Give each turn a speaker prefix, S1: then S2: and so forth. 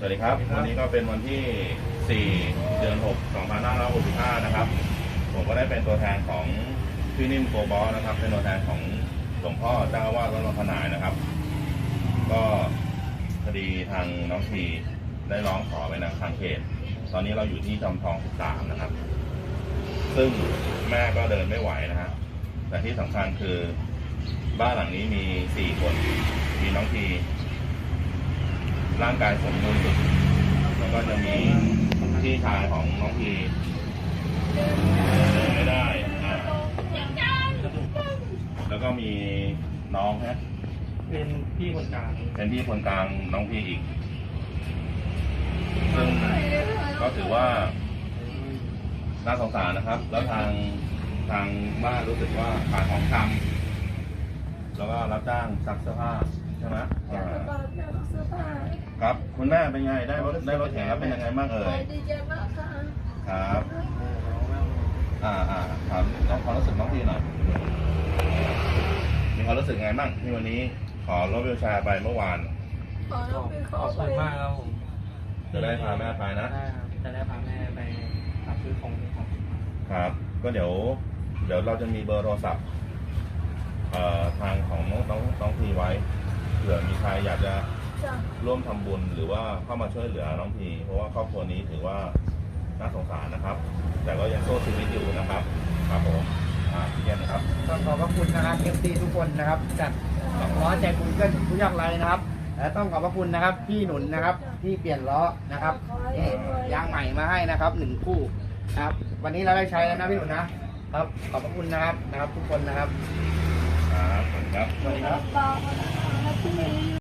S1: วัสดีครับวันนี้ก็เป็นวันที่ 4 เดือน 6 2565 นะครับผมก็ได้เป็นตัวแทนของพี่นิ่มโกบอสนะครับเป็นตัวแทนของหลวงพ่อเจ้าอาวาสวัดหนองขนายนะครับก็คดีทางน้องทีได้ร้องขอไปทางเขตตอนนี้เราอยู่ที่จอมทอง 13 นะครับซึ่งแม่ก็เดินไม่ไหวนะฮะแต่ที่สำคัญคือบ้านหลังนี้มี 4 คนมีน้องทีร่างกายสมบูรณ์สุดแล้วก็จะมีพี่ชายของน้องทีเดินไม่ได้แล้วก็มีน้องฮะ
S2: เป็นพี่คนกลาง
S1: เป็นพี่คนกลางน้องพีอีกซึ่งก็ถือว่าน่าสงสารนะครับแล้วทางบ้านรู้สึกว่าขายของชำแล้วก็รับจ้างซักเสื้อผ้าใช่ไหมครับคุณแม่เป็นไงได้รถแข่งแล้วเป็นยังไงบ้างเอ่ย
S3: ดีใจมากค่ะ
S1: ครับครับน้องความรู้สึกน้องทีหน่อยมีความรู้สึกไงบ้างที่วันนี้ขอรถวิวแชร์ไปเมื่อวาน
S3: ขอบ
S2: คุณมากครับผม
S1: จะได้พาแม่ไปนะ
S2: ได้ครับจะได้พาแม่ไปรับซื้อของ
S1: ครับก็เดี๋ยวเราจะมีเบอร์โทรศัพท์ทางของน้องทีไว้เผื่อมีใครอยากจะร่วมทำบุญหรือว่าเข้ามาช่วยเหลือน้องทีเพราะว่าครอบครัวนี้ถือว่าน่าสงสารนะครับ แต่ก็ยังสู้ชีวิตอยู่นะครับครับผมพี่เย็นนะครับ
S4: ต้องขอบพระคุณนะครับ FC ทุกคนนะครับจัดล้อใจบุญเกื้อหนุนผู้ยากไร้นะครับและต้องขอบพระคุณนะครับพี่หนุนนะครับที่เปลี่ยนล้อนะครับยางใหม่มาให้นะครับ1 คู่นะครับวันนี้เราได้ใช้แล้วนะพี่หนุนนะครับขอบพระคุณนะครับทุกคนนะครับ
S1: ครับ
S4: สวัสดีครับ